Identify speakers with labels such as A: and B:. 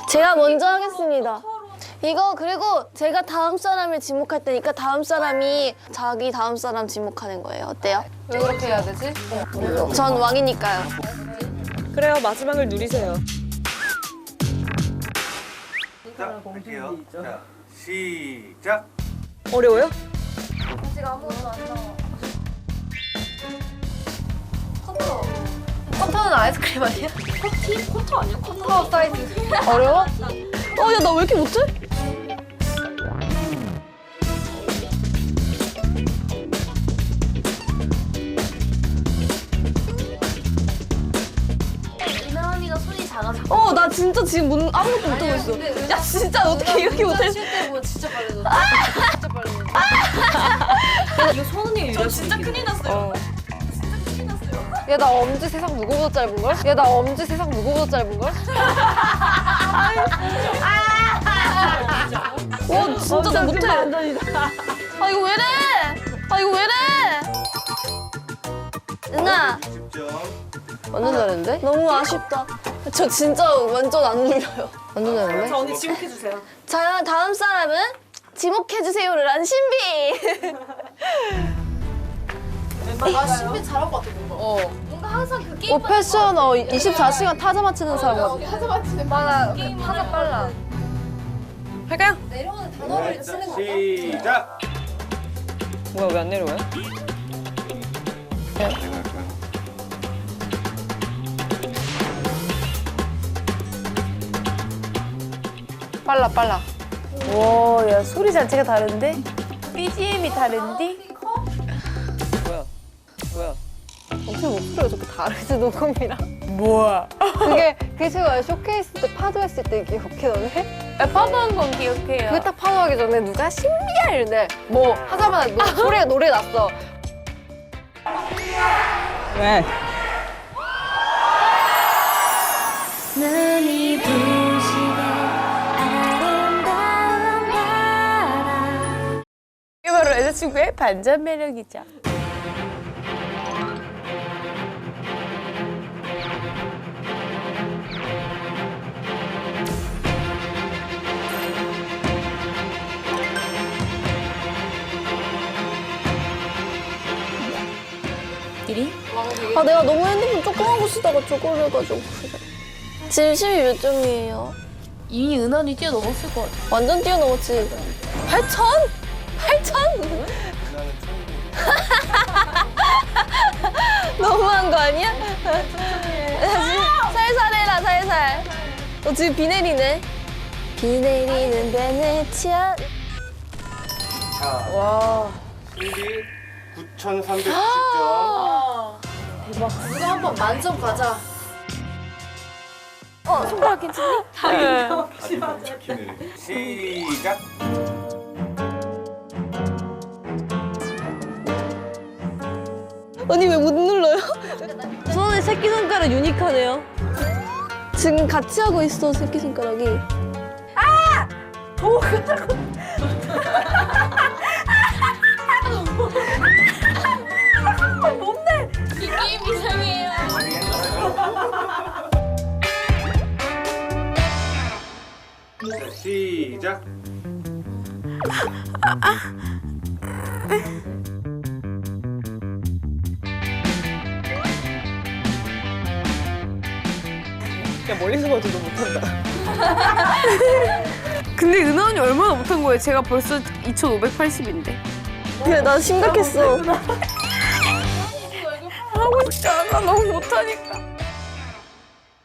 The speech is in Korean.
A: 제가 먼저 하겠습니다. 이거 그리고 제가 다음 사람을 지목할 테니까 다음 사람이 자기 다음 사람 지목하는 거예요. 어때요?
B: 왜 그렇게 해야 되지?
A: 전 왕이니까요.
C: 그래요, 마지막을 누리세요.
D: 자, 할게요. 자, 시작.
C: 어려워요?
B: 지금 아무것도 안 나와. 커터는 아이스크림 아니야? 커터 아니야? 커터 사이즈.
A: 어려워? 야, 나 왜 이렇게 못해?
B: 이나 언니가 손이 작아서.
A: 나 진짜 지금 아무것도 못하고 있어. 야, 진짜 어떻게 이렇게 못해?
B: 쉴때 보면 진짜 빨라졌어. 진짜 빨라졌어.
C: 이거 손은이 이거 진짜 큰일 났어요.
B: 야, 나 엄지 세상 누구보다 짧은걸? 야, 나 엄지 세상 누구보다 짧은걸?
A: 와, 진짜 나 못해. 아, 이거 왜 이래? 아, 이거 왜 이래? 은아,
D: 10점.
B: 완전 잘했는데?
A: 너무 아쉽다. 저 진짜 완전 안 눌려요.
B: 완전 잘했는데?
C: 자, 언니 지목해주세요.
A: 자, 다음 사람은 지목해주세요를 한 신비.
B: 아, 신비 잘한 것 같아, 뭔가. 뭔가 항상 그 게임. 패션 24시간 타자 맞히는 사람 같아. 타자 맞히는 맞아. 타자 빨라.
C: 할까요?
B: 내려오는 단어를 쓰는 거.
D: 시작.
C: 뭐야, 왜 안 내려와요?
B: 빨라.
E: 와, 야, 소리 자체가 다른데? BGM이 다른데?
C: 뭐야?
B: 어떻게 목소리가 저렇게 다르지, 녹음이랑?
E: 뭐야?
B: 그게 제가 쇼케이스 때 파도 했을 때 기억해, 너네?
E: 파도한 건 기억해요.
B: 그게 딱 파도하기 전에 누가 신비야 이러는데 뭐 하자마자 소리가 노래 났어.
C: 왜?
A: 눈이 부시게 아름다운 바람.
E: 이게 바로 여자친구의 반전 매력이죠.
A: 아, 내가 너무 핸드폰 조금 하고 쓰다가 저걸 해가지고 그래. 지금 12몇 점이에요?
E: 이미 은원이 뛰어넘었을 것 같아.
A: 완전 뛰어넘었지. 8천? 8천? 너무한 거 아니야? 살살 해라, 살살. 너 지금 비 내리네. 비 내리는 베네치아.
D: 자,
E: 와.
D: 신비 9,390점.
B: 누가 한번 만점 가자.
E: 손가락 괜찮니?
D: 시작.
A: 언니 왜 못 눌러요? 저는 새끼손가락 유니크하네요. 지금 같이 하고 있어, 새끼손가락이.
D: 자, 시작.
C: 그냥 멀리서 봐도 너 못한다.
E: 근데 은원이 얼마나 못한 거예요? 제가 벌써 2,580인데.
A: 그래, 나 심각했어.
E: 하고 싶지 않아. 너무 못하니까.